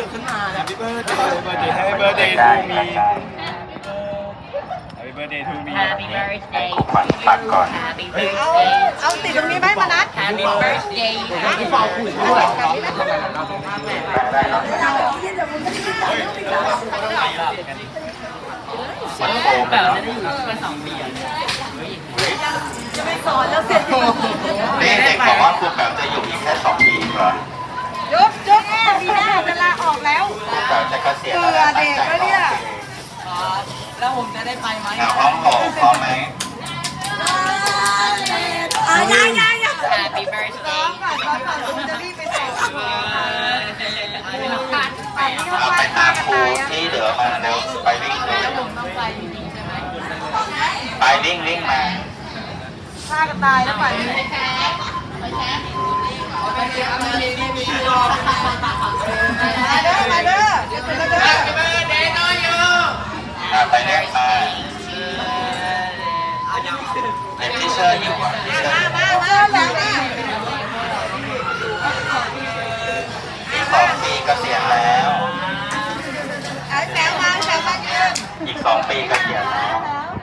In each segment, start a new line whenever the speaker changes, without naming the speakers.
ตื่นขึ้นมาแล้ว
Happy birthday Happy birthday to me Happy birthday to me
Happy birthday
ขวัญปักก่อน
Happy birthday
เอาติดตรงนี้ไหมมานัด
Happy birthday
ที่เป่าขุ่นด้วย
ได้เนาะมันโฟม
แบ
เนาะ
บจะได้อยู่กัน2 ปีอ่ะ
จะไม่สอนแล้วเสร็จอยู่
นี่เด็กบอกว่าครูแป๋วจะอยู่อีกแค่2 ปีเหรอ
ยุบยุบปีหน้าจะลาออกแล้ว
ครูแป๋วจะเกษียณแล้วนะตั้งใจร้องเพลง
แล้วผมจะได้ไปไหม
ห้องโถงพร้อมไหม
ยัง
Happy birthday
ก่อนคุณจะรีบไปส่ง
เอาไปตามครูที่เหลือมาเร็วไปวิ่งเร็ว
ต้องไปจริงๆใช่ไหม
ไปวิ่งมา
ฆ่ากันตายแล้วไปมาเด้อเดี๋ยวคุณมาเด้อ
ไปเรียกมาเด็กที่เชิญอยู่อ่ะที่เชิญอยู่
มาแล้วมา
อีก2 ปีเกษียณแล้ว
ไอ้แมวมาแมวมายืน
อีก2 ปีเกษียณแล้ว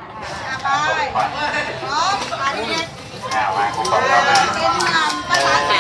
ไปพร้อมมาดิ
มาครูบอกเรามา
เป็นนำประธาน